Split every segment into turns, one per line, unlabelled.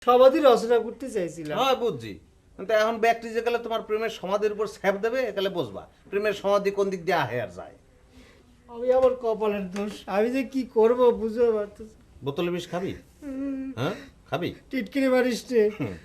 সমাধি রচনা করতে চাইছিলাম।
হ্যাঁ বুঝছি, কিন্তু এখন ব্যক্তি যে গেলে তোমার প্রেমের সমাধির উপর স্যাপ দেবে একালে বুঝবা প্রেমের সমাধি কোন দিক দিয়ে আহে আর যায়।
আমি আমার কপালের দোষ, আমি যে কি করব বুঝতে পারতেছি।
বোতলে বিষ খাবি? হ্যাঁ খাবি?
টিটকিরি মারিস রে।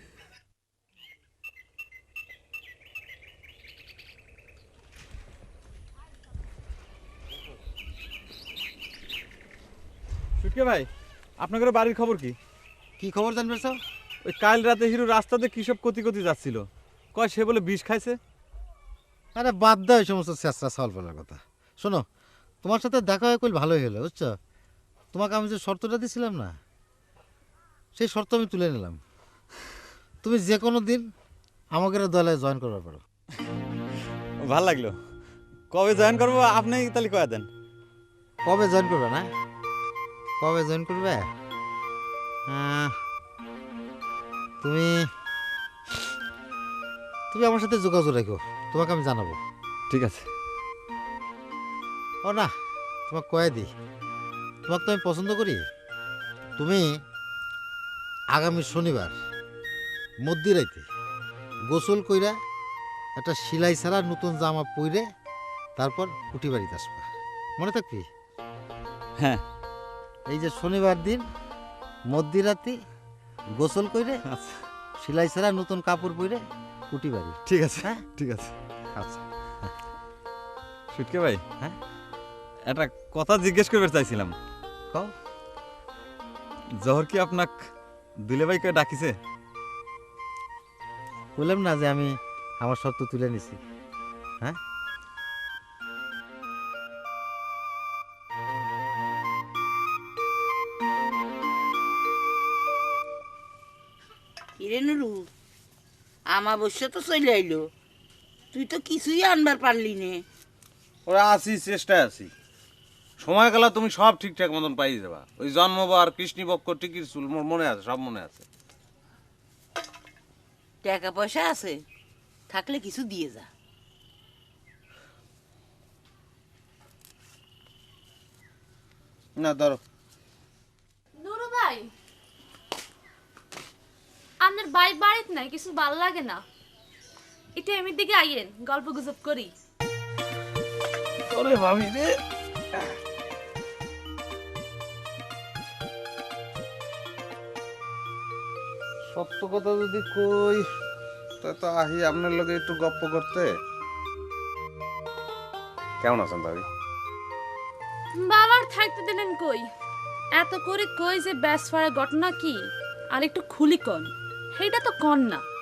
সুটকে ভাই, আপনাদের বাড়ির খবর কি?
কি খবর জানবে স্যার?
ওই কাল রাতে হিরো রাস্তাতে কি সব কতি যাচ্ছিল, কয় সে বলে বিষ খাইছে।
আরে বাদ দাও এই সমস্ত চেষ্টা সলভ করার কথা। শোনো, তোমার সাথে দেখা হয়ে কইল ভালোই হলো, বুঝছো? তোমাকে আমি যে শর্তটা দিয়েছিলাম না, সেই শর্ত আমি তুলে নিলাম। তুমি যে কোনো দিন আমাদের দলে জয়েন করতে পারো।
ভাল লাগলো। কবে জয়েন করবো আপনি তাহলে কয়ে দেন।
কবে জয়েন করবে না? কবে জয়েন করবে? তুমি তুমি আমার সাথে যোগাযোগ রাখো, তোমাকে আমি জানাবো।
ঠিক আছে।
ও না, তোমাকে কয়ে দিই, তোমাকে তো আমি পছন্দ করি। তুমি আগামী শনিবার মধ্যরাইতে গোসল কইরা একটা সিলাই ছাড়া নতুন জামা পইরে তারপর কুটি বাড়িতে আসবা, মনে থাকবি?
হ্যাঁ।
এই যে শনিবার দিন মধ্যরাতে গোসল কইরে
আচ্ছা
সিলাই ছাড়া নতুন কাপড় পরে কুটি বাড়ি।
ঠিক আছে।
হ্যাঁ
ঠিক আছে।
আচ্ছা।
সুটকে ভাই,
হ্যাঁ
একটা কথা জিজ্ঞেস করতে চাইছিলাম।
কও।
জহর কি আপনাক দুলে ভাই কে ডাকিছে?
বললাম না যে আমি আমার শর্ত তুলে নিছি। হ্যাঁ
কিরে নুরু, আমাবস্যা তো চলে আইলো, তুই তো কিছুই আনবার পারলি নে।
ওরা আছি, চেষ্টায় আছি। সময় গেলে তুমি সব ঠিকঠাক মতন পাই যাবা। ওই জন্মবার কৃষ্ণপক্ষ টিকিট চুল মোর মনে আছে, সব মনে আছে।
টাকা পয়সা আছে, থাকলে কিছু দিয়ে যা।
না ধরো।
নুরু ভাই, আপনার ভাই বাড়িতে নাই, কিছু ভাল লাগে না, এটা এমনি দিকে আইয়েন, গল্প গুজব করি।
ওরে ভাবি রে, সত্য কথা যদি কই তা তো আহি আপনার লগে একটু গপ্প করতে। কেমন আছেন ভাবি?
বাবার থাকতে দিলেন কই? এত করে কই যে ব্যাস ফাড়া ঘটনা কি, আর একটু খুলি কন, সেইটা তো কন না।